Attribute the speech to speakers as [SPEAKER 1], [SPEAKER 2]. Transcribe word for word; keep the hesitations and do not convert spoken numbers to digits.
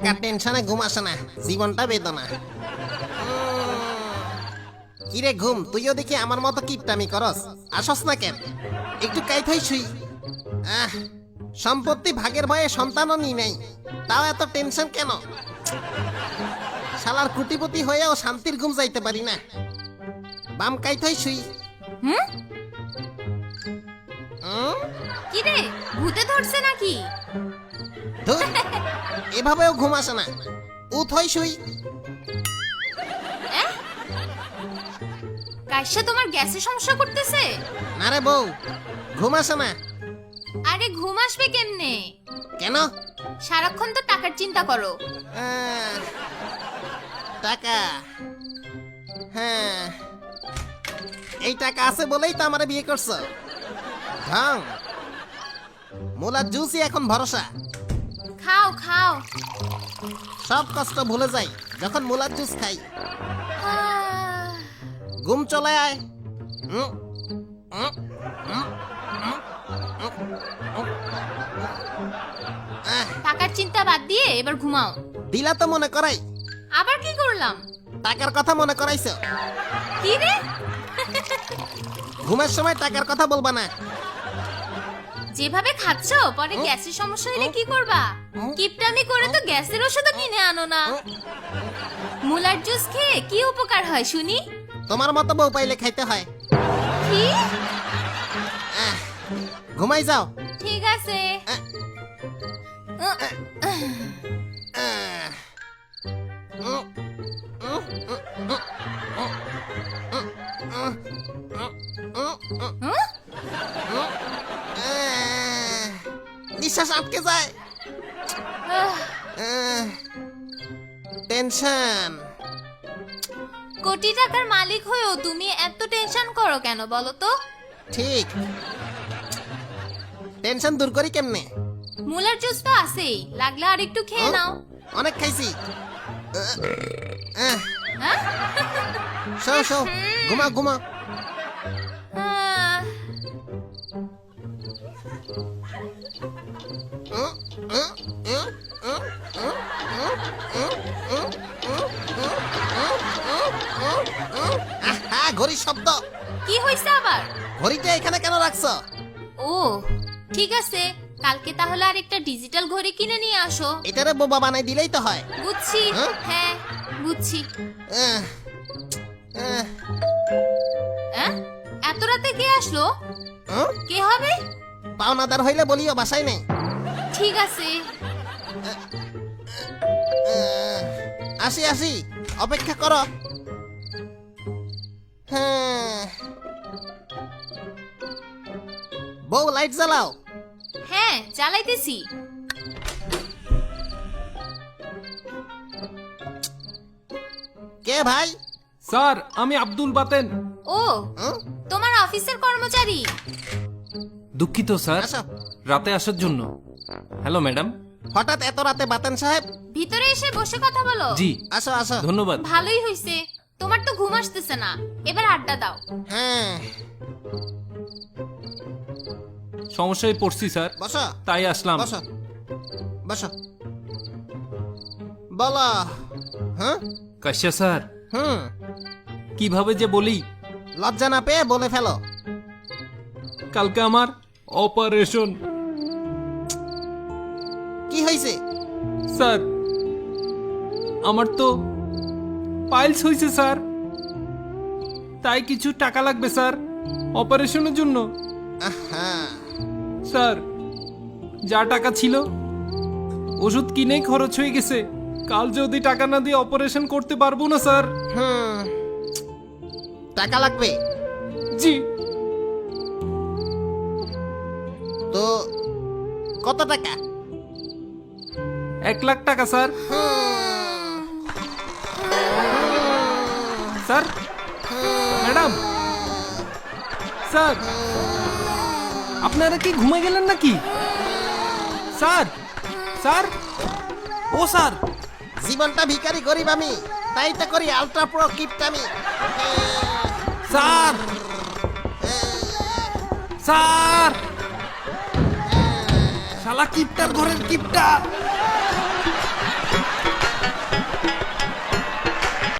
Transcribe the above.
[SPEAKER 1] টাকার টেনশনে ঘুম আসে না, জীবনটা বেদনা। কিরে ঘুম, তুইও দেখি আমার মতো কিপটামি করস, আসস না কেন? একটু কাইথাই শুই। আহ, সম্পত্তি ভাগের ভয়ে সন্তানও নি নাই, তাও এত টেনশন কেন? শালার কুটিপতি হয়েও শান্তির ঘুম যাইতে পারি না। বাম কাইথাই শুই।
[SPEAKER 2] হুম
[SPEAKER 1] হুম?
[SPEAKER 2] কি রে, ভূতে ধরছে নাকি?
[SPEAKER 1] ধুর, এভাবেও ঘুম আসে না, উঠ হই শুই।
[SPEAKER 2] কাইসা তোমার গ্যাসের সমস্যা করতেছে?
[SPEAKER 1] না রে বউ, ঘুম আসে না।
[SPEAKER 2] আরে ঘুম আসবে কেমনে?
[SPEAKER 1] কেন?
[SPEAKER 2] সারাক্ষণ তো টাকার চিন্তা করো।
[SPEAKER 1] আহ, টাকা, হ্যাঁ, এই টাকা আছে বলেই তো আমার বিয়ে করছো। ঢং, মুলার জুসই এখন ভরসা।
[SPEAKER 2] খাও খাও।
[SPEAKER 1] সব কষ্ট ভুলে যাই যখন মুলার জুস খাই।
[SPEAKER 2] আহ,
[SPEAKER 1] ঘুম চলে আয়। উম, উম, উম, উম, উম, উম। আহ,
[SPEAKER 2] টাকার চিন্তা বাদ দিয়ে এবার ঘুমাও।
[SPEAKER 1] দিলা তো মনে করাই,
[SPEAKER 2] আবার কি করলাম?
[SPEAKER 1] টাকার কথা মনে করাইছো।
[SPEAKER 2] কি রে?
[SPEAKER 1] ঘুমের সময় টাকার কথা বলবা না।
[SPEAKER 2] যেভাবে খাচ্ছো পরে গ্যাসের সমস্যা হলে কি করবা? কিপটামি করে তো গ্যাসের ওষুধও কিনে আনো না। মুলার জুস খেয়ে কি উপকার হয় শুনি?
[SPEAKER 1] তোমার মতো বউ পাইলে খাইতে হয়।
[SPEAKER 2] কি?
[SPEAKER 1] আহ, ঘুমাই যাও।
[SPEAKER 2] ঠিক আছে।
[SPEAKER 1] আহ,
[SPEAKER 2] উহ,
[SPEAKER 1] আহ, উম, উম, উম, উম, উম, উম, উম, উম, উম,
[SPEAKER 2] হুম?
[SPEAKER 1] উম, আহ, নিঃশ্বাস আটকে যায়।
[SPEAKER 2] আহ,
[SPEAKER 1] আহ, টেনশন।
[SPEAKER 2] কোটি টাকার মালিক হয়েও তুমি এত টেনশন করো কেন বলো তো?
[SPEAKER 1] ঠিক, টেনশন দূর করি কেমনে?
[SPEAKER 2] মুলার জুস তো আছেই, লাগলে আর একটু খেয়ে নাও।
[SPEAKER 1] অনেক খাইছি। আহ, আহ,
[SPEAKER 2] হ্যাঁ?
[SPEAKER 1] শো শো, ঘুমা ঘুমা।
[SPEAKER 2] আহ,
[SPEAKER 1] উম, উম, উম, উম, উম, উম, উম, উম, উম, উম, উম, উম, উম। আহা, ঘড়ির শব্দ।
[SPEAKER 2] কি হইছে আবার?
[SPEAKER 1] ঘড়িটা এখানে কেন রাখছো?
[SPEAKER 2] ও ঠিক আছে, কালকে তাহলে আর একটা ডিজিটাল ঘড়ি কিনে নিয়ে আসো।
[SPEAKER 1] এটারে বোবা বানাই দিলেই তো হয়।
[SPEAKER 2] বুঝছি।
[SPEAKER 1] হ্যাঁ?
[SPEAKER 2] হ্যাঁ বুঝছি।
[SPEAKER 1] আহ, আহ,
[SPEAKER 2] হ্যাঁ? এত রাতে কে আসলো?
[SPEAKER 1] উম,
[SPEAKER 2] কে হবে?
[SPEAKER 1] পাওনাদার হইলে বলিও বাসায় নেই।
[SPEAKER 2] ঠিক আছে।
[SPEAKER 1] আহ, আসি আসি, অপেক্ষা করো। হ্যাঁ, বউ লাইট জ্বালাও।
[SPEAKER 2] হ্যাঁ চালাইতেছি।
[SPEAKER 1] কে ভাই?
[SPEAKER 3] স্যার, আমি আব্দুল বাতেন।
[SPEAKER 2] ও
[SPEAKER 1] উম,
[SPEAKER 2] তোমার অফিসের কর্মচারী।
[SPEAKER 3] দুঃখিত স্যার,
[SPEAKER 1] আসো।
[SPEAKER 3] রাতে আসার জন্য। Hello madam.
[SPEAKER 1] হঠাৎ এত রাতে বাতেন সাহেব?
[SPEAKER 2] ভিতরে এসে বসে কথা বলো।
[SPEAKER 3] জি,
[SPEAKER 1] আসো আসো।
[SPEAKER 3] ধন্যবাদ।
[SPEAKER 2] ভালোই হইছে, তোমার তো ঘুম আসতেছে না, এবার আড্ডা দাও।
[SPEAKER 1] হ্যাঁ,
[SPEAKER 3] সমস্যায় পড়ছি স্যার,
[SPEAKER 1] বসো
[SPEAKER 3] তাই আসলাম।
[SPEAKER 1] বসো বসো, বলো। হ্যাঁ,
[SPEAKER 3] কাশ্যা স্যার,
[SPEAKER 1] হুম,
[SPEAKER 3] কিভাবে যে বলি।
[SPEAKER 1] লজ্জা না পেয়ে বলে ফেলো।
[SPEAKER 3] কালকে আমার অপারেশন।
[SPEAKER 1] কি হয়েছে?
[SPEAKER 3] স্যার, আমার তো পাইলস হয়েছে স্যার, তাই কিছু টাকা লাগবে স্যার অপারেশনের জন্য।
[SPEAKER 1] আহা,
[SPEAKER 3] স্যার, যা টাকা ছিল ওষুধ কিনেই খরচ হয়ে গেছে। কাল যদি টাকা না দিয়ে অপারেশন করতে পারবো না স্যার।
[SPEAKER 1] হুম, টাকা লাগবে
[SPEAKER 3] জি।
[SPEAKER 1] তো কত টাকা?
[SPEAKER 3] এক লাখ টাকা স্যার।
[SPEAKER 1] হুম,
[SPEAKER 3] স্যার, ম্যাডাম, স্যার, আপনারা কি ঘুমে গেলেন নাকি? স্যার, স্যার, ও স্যার।
[SPEAKER 1] জীবনটা ভিখারি গরিব আমি, তাই তো করি আলট্রা প্রো কিপটামি।
[SPEAKER 3] স্যার, স্যার, শালা কিপটার ঘরের কিপটা।